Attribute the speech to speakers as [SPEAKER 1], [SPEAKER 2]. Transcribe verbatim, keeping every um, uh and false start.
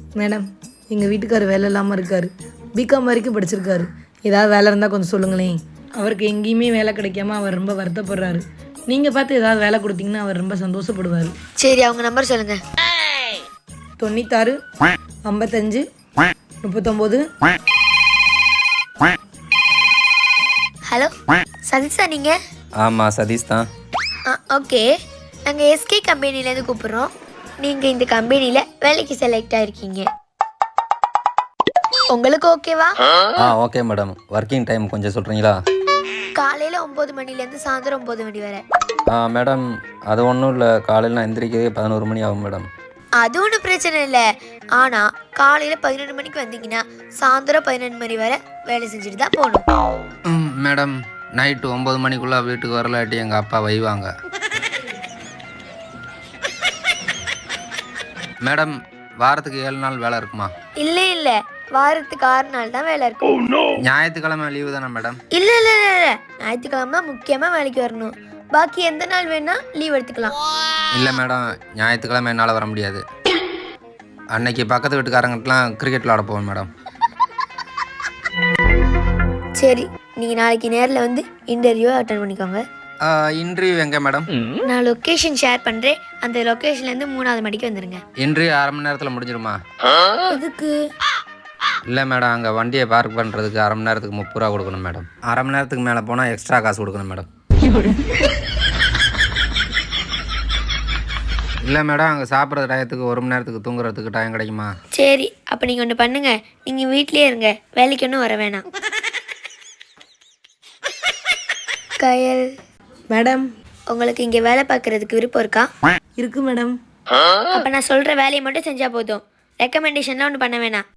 [SPEAKER 1] Madam, எங்கள் வீட்டுக்காரர் வேலை இல்லாமல் இருக்கார். பிகாம் வரைக்கும் படிச்சிருக்காரு. ஏதாவது வேலை இருந்தால் கொஞ்சம் சொல்லுங்களேன். அவருக்கு எங்கேயுமே வேலை கிடைக்காம அவர் ரொம்ப வருத்தப்படுறாரு. நீங்கள் பார்த்து ஏதாவது வேலை கொடுத்தீங்கன்னா அவர் ரொம்ப சந்தோஷப்படுவார்.
[SPEAKER 2] சரி, அவங்க நம்பர் சொல்லுங்க.
[SPEAKER 1] தொண்ணூத்தாறு ஐம்பத்தஞ்சு முப்பத்தொம்போது.
[SPEAKER 2] ஹலோ சதீஷா நீங்க?
[SPEAKER 3] ஆமாம் சதீஷ் தான்.
[SPEAKER 2] ஓகே, நாங்கள் எஸ்கே கம்பெனிலேருந்து கூப்பிட்றோம். நீங்கள் இந்த கம்பெனியில் வேலைக்கு செலக்ட் ஆகிருக்கீங்க. உங்களுக்கு ஓகேவா?
[SPEAKER 3] ஆ ஓகே மேடம். ஒர்க்கிங் டைம் கொஞ்சம் சொல்கிறீங்களா?
[SPEAKER 2] காலையில் ஒம்பது மணிலேருந்து சாயந்தரம் ஒம்பது மணி வரை.
[SPEAKER 3] ஆ மேடம், அது ஒன்றும் இல்லை. காலையில் நான் எந்திரிக்கிறதே பதினோரு மணி ஆகும் மேடம்.
[SPEAKER 2] அது ஒன்றும் பிரச்சனை இல்லை. ஆனால் காலையில் பதினொன்று மணிக்கு வந்தீங்கன்னா சாயந்தரம் பதினொன்று மணி வரை வேலை செஞ்சுட்டு தான் போகணும்.
[SPEAKER 3] ம் மேடம், நைட்டு ஒம்பது மணிக்குள்ளே வீட்டுக்கு வரலாட்டி எங்கள் அப்பா வைவாங்க. மேடம், வாரத்துக்கு ஏழு நாள் வேலை இருக்குமா?
[SPEAKER 2] இல்லை இல்லை, வாரத்துக்கு ஆறு நாள் தான் வேலை இருக்கும்.
[SPEAKER 3] ஞாயிற்றுக்கிழமை லீவு தானே மேடம்?
[SPEAKER 2] இல்லை இல்லை இல்லை இல்லை, ஞாயிற்றுக்கிழமை முக்கியமாக வேலைக்கு வரணும். பாக்கி எந்த நாள் வேணா லீவ் எடுத்துக்கலாம்.
[SPEAKER 3] இல்லை மேடம், ஞாயிற்றுக்கிழமை என்னால் வர முடியாது. அன்னைக்கு பக்கத்து வீட்டுக்காரங்கிட்டலாம் கிரிக்கெட் விளாட போவேன் மேடம்.
[SPEAKER 2] சரி, நீங்கள் நாளைக்கு நேரில் வந்து இன்டர்வியூ அட்டன் பண்ணிக்கோங்க.
[SPEAKER 3] இன்டர்வியூ எங்கே மேடம்?
[SPEAKER 2] நான் லொக்கேஷன் ஷேர் பண்ணுறேன். அந்த லொக்கேஷன்லேருந்து மூணாவது மணிக்கு வந்துடுங்க.
[SPEAKER 3] இன்டர்வியூ அரை மணி நேரத்தில் முடிஞ்சிருமா?
[SPEAKER 2] எதுக்கு?
[SPEAKER 3] இல்லை மேடம், அங்கே வண்டியை பார்க் பண்ணுறதுக்கு அரை மணி நேரத்துக்கு முப்பது ரூபா கொடுக்கணும் மேடம். அரை மணி நேரத்துக்கு மேலே போனால் எக்ஸ்ட்ரா காசு கொடுக்கணும் மேடம். இல்லை மேடம், அங்கே சாப்பிட்ற டயத்துக்கு ஒரு மணி நேரத்துக்கு தூங்குறதுக்கு டைம் கிடைக்குமா?
[SPEAKER 2] சரி, அப்போ நீங்கள் ஒன்று பண்ணுங்கள். நீங்கள் வீட்லேயே இருங்க, வேலைக்கு ஒன்றும் வர வேணாம். கயல்
[SPEAKER 1] மேடம்,
[SPEAKER 2] உங்களுக்கு இங்கே வேலை பார்க்குறதுக்கு விருப்பம் இருக்கா?
[SPEAKER 1] இருக்கு மேடம்.
[SPEAKER 2] அப்போ நான் சொல்கிற வேலையை மட்டும் செஞ்சால் போதும். ரெக்கமெண்டேஷன்லாம் ஒன்று பண்ண வேணாம்.